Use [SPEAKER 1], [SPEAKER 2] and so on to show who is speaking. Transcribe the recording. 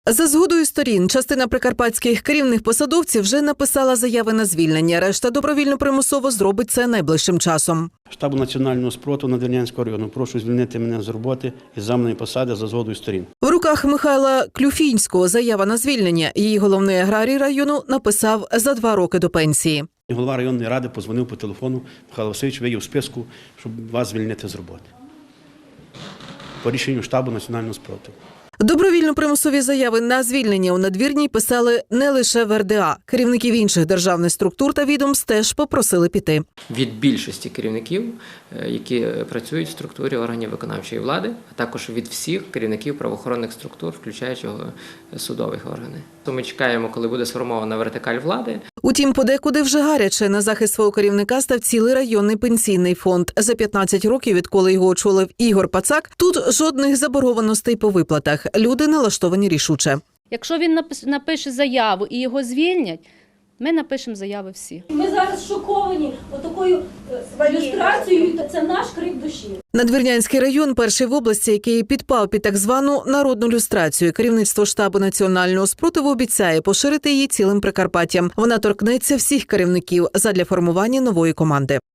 [SPEAKER 1] За згодою сторін, частина прикарпатських керівних посадовців вже написала заяви на звільнення. Решта добровільно-примусово зробить це найближчим часом.
[SPEAKER 2] Штабу національного спротиву Надвірнянського району. Прошу звільнити мене з роботи із замовної посади за згодою сторін.
[SPEAKER 1] В руках Михайла Клюфінського заява на звільнення. Її головний аграрій району написав за 2 роки до пенсії.
[SPEAKER 2] Голова районної ради подзвонив по телефону. Михайло Васильович, ви є в списку, щоб вас звільнити з роботи. По рішенню штабу національного спротиву.
[SPEAKER 1] Добровільно-примусові заяви на звільнення у Надвірній писали не лише в РДА. Керівників інших державних структур та відомств теж попросили піти.
[SPEAKER 3] Від більшості керівників, які працюють в структурі органів виконавчої влади, а також від всіх керівників правоохоронних структур, включаючи судових органів. То ми чекаємо, коли буде сформована вертикаль влади.
[SPEAKER 1] Утім, подекуди вже гаряче. На захист свого керівника став цілий районний пенсійний фонд. За 15 років, відколи його очолив Ігор Пацак, тут жодних заборгованостей по виплатах. Люди налаштовані рішуче.
[SPEAKER 4] Якщо він напише заяву і його звільнять, ми напишемо заяви всі.
[SPEAKER 5] Ми зараз шоковані отакою люстрацією, це наш крик душі.
[SPEAKER 1] Надвірнянський район – перший в області, який підпав під так звану народну люстрацію. Керівництво штабу національного спротиву обіцяє поширити її цілим Прикарпаттям. Вона торкнеться всіх керівників задля формування нової команди.